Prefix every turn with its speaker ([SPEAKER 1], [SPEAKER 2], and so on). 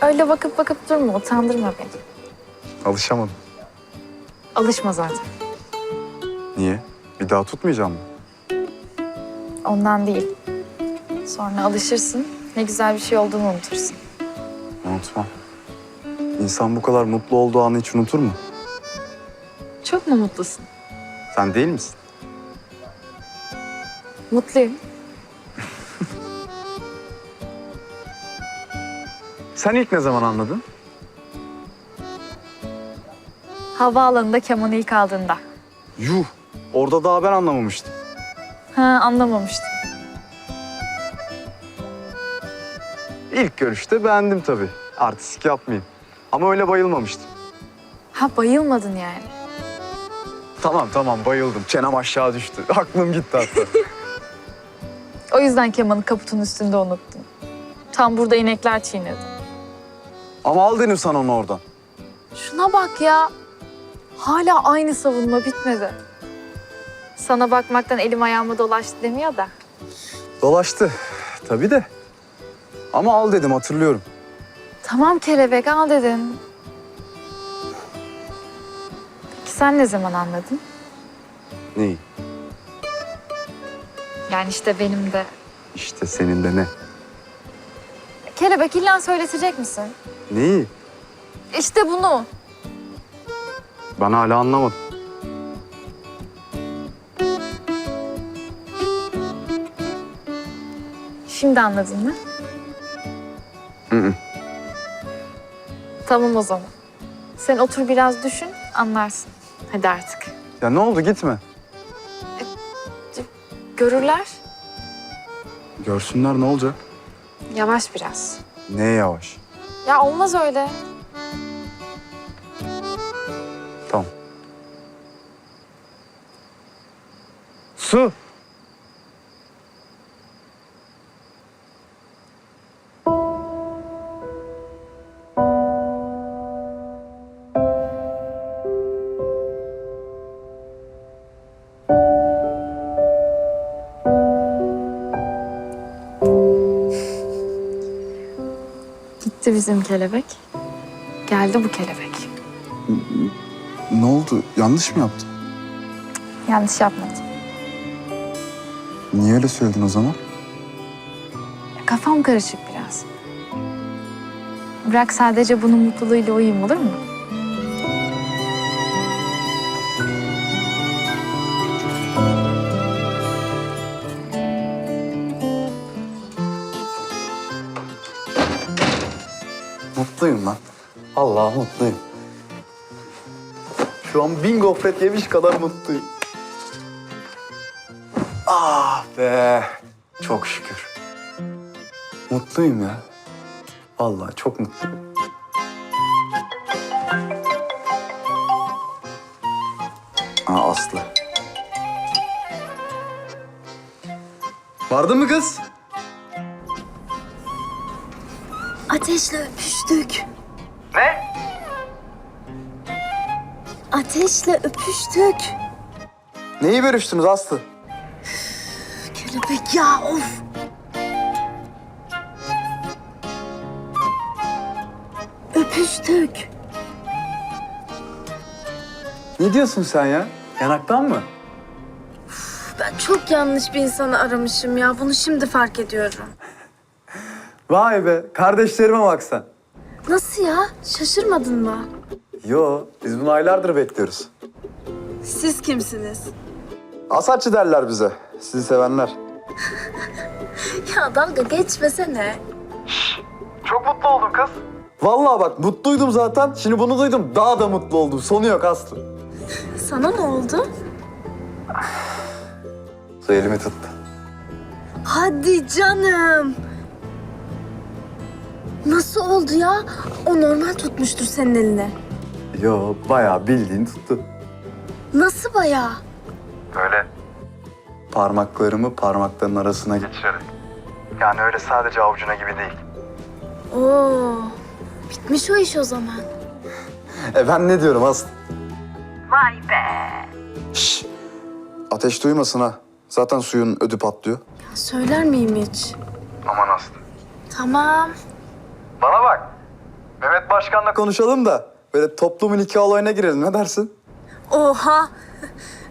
[SPEAKER 1] öyle bakıp bakıp durma, utandırma beni.
[SPEAKER 2] Alışamadım.
[SPEAKER 1] Alışma zaten.
[SPEAKER 2] Niye? Bir daha tutmayacağım mı?
[SPEAKER 1] Ondan değil. Sonra alışırsın, ne güzel bir şey olduğunu unutursun.
[SPEAKER 2] Unutmam. İnsan bu kadar mutlu olduğu anı hiç unutur mu?
[SPEAKER 1] Çok mu mutlusun?
[SPEAKER 2] Sen değil misin?
[SPEAKER 1] Mutluyum.
[SPEAKER 2] Sen ilk ne zaman anladın?
[SPEAKER 1] Havaalanında kemanı ilk aldığında.
[SPEAKER 2] Yuh! Orada daha ben anlamamıştım.
[SPEAKER 1] Ha, anlamamıştım.
[SPEAKER 2] İlk görüşte beğendim tabii. Artistik yapmayayım. Ama öyle bayılmamıştım.
[SPEAKER 1] Ha, bayılmadın yani.
[SPEAKER 2] Tamam bayıldım. Çenem aşağı düştü. Aklım gitti hatta.
[SPEAKER 1] O yüzden kemanı kaputun üstünde unuttun. Tam burada inekler çiğnedi.
[SPEAKER 2] Ama al dedim sana onu oradan.
[SPEAKER 1] Şuna bak ya. Hala aynı savunma bitmedi. Sana bakmaktan elim ayağıma dolaştı demiyor da.
[SPEAKER 2] Dolaştı. Tabii de. Ama al dedim hatırlıyorum.
[SPEAKER 1] Tamam kelebek, al dedin. Peki sen ne zaman anladın?
[SPEAKER 2] Neyi?
[SPEAKER 1] Yani işte benim de.
[SPEAKER 2] İşte senin de ne?
[SPEAKER 1] Kelebek, illa söyletecek misin?
[SPEAKER 2] Neyi?
[SPEAKER 1] İşte bunu.
[SPEAKER 2] Ben hala anlamadım.
[SPEAKER 1] Şimdi anladın mı?
[SPEAKER 2] Hı.
[SPEAKER 1] Tamam o zaman. Sen otur biraz düşün, anlarsın. Hadi artık.
[SPEAKER 2] Ya ne oldu gitme.
[SPEAKER 1] Görürler.
[SPEAKER 2] Görsünler ne olacak?
[SPEAKER 1] Yavaş biraz.
[SPEAKER 2] Ne yavaş.
[SPEAKER 1] Ya olmaz öyle.
[SPEAKER 2] Tamam. Su.
[SPEAKER 1] Gitti bizim kelebek. Geldi bu kelebek.
[SPEAKER 2] Ne oldu? Yanlış mı yaptın?
[SPEAKER 1] Yanlış yapmadım.
[SPEAKER 2] Niye öyle söyledin o zaman?
[SPEAKER 1] Kafam karışık biraz. Bırak sadece bunun mutluluğuyla uyuyayım, olur mu?
[SPEAKER 2] Mutluyum lan. Allah mutluyum. Şu an 1000 gofret yemiş kadar mutluyum. Ah be. Çok şükür. Mutluyum ya. Vallahi çok mutluyum. Aa Aslı. Vardın mı kız?
[SPEAKER 3] Ateşle öpüştük.
[SPEAKER 2] Ne?
[SPEAKER 3] Ateşle öpüştük.
[SPEAKER 2] Neyi görüştünüz Aslı?
[SPEAKER 3] Kelebek ya, of. Öpüştük.
[SPEAKER 2] Ne diyorsun sen ya? Yanaktan mı?
[SPEAKER 3] Ben çok yanlış bir insanı aramışım ya. Bunu şimdi fark ediyorum.
[SPEAKER 2] Vay be, kardeşlerime bak sen.
[SPEAKER 3] Nasıl ya? Şaşırmadın mı?
[SPEAKER 2] Yo, biz bunu aylardır bekliyoruz.
[SPEAKER 3] Siz kimsiniz?
[SPEAKER 2] Asatçı derler bize, sizi sevenler.
[SPEAKER 3] Ya dalga geçmesene.
[SPEAKER 2] Çok mutlu oldum kız. Vallahi bak, mutluydum zaten. Şimdi bunu duydum, daha da mutlu oldum. Sonu yok Aslı.
[SPEAKER 3] Sana ne oldu?
[SPEAKER 2] Su elimi tuttu.
[SPEAKER 3] Hadi canım. Nasıl oldu ya? O normal tutmuştur senin eline.
[SPEAKER 2] Yo, bayağı bildiğin tuttu.
[SPEAKER 3] Nasıl bayağı?
[SPEAKER 2] Böyle parmaklarımı parmaklarının arasına geçirerek. Yani öyle sadece avucuna gibi değil.
[SPEAKER 3] Oo, bitmiş o iş o zaman.
[SPEAKER 2] Ben ne diyorum Aslı?
[SPEAKER 3] Vay be.
[SPEAKER 2] Şşş, ateş duymasın ha. Zaten suyun ödü patlıyor.
[SPEAKER 3] Söyler miyim hiç?
[SPEAKER 2] Aman Aslı.
[SPEAKER 3] Tamam.
[SPEAKER 2] Bana bak. başkanla konuşalım da böyle toplumun iki olayına girelim. Ne dersin?
[SPEAKER 3] Oha!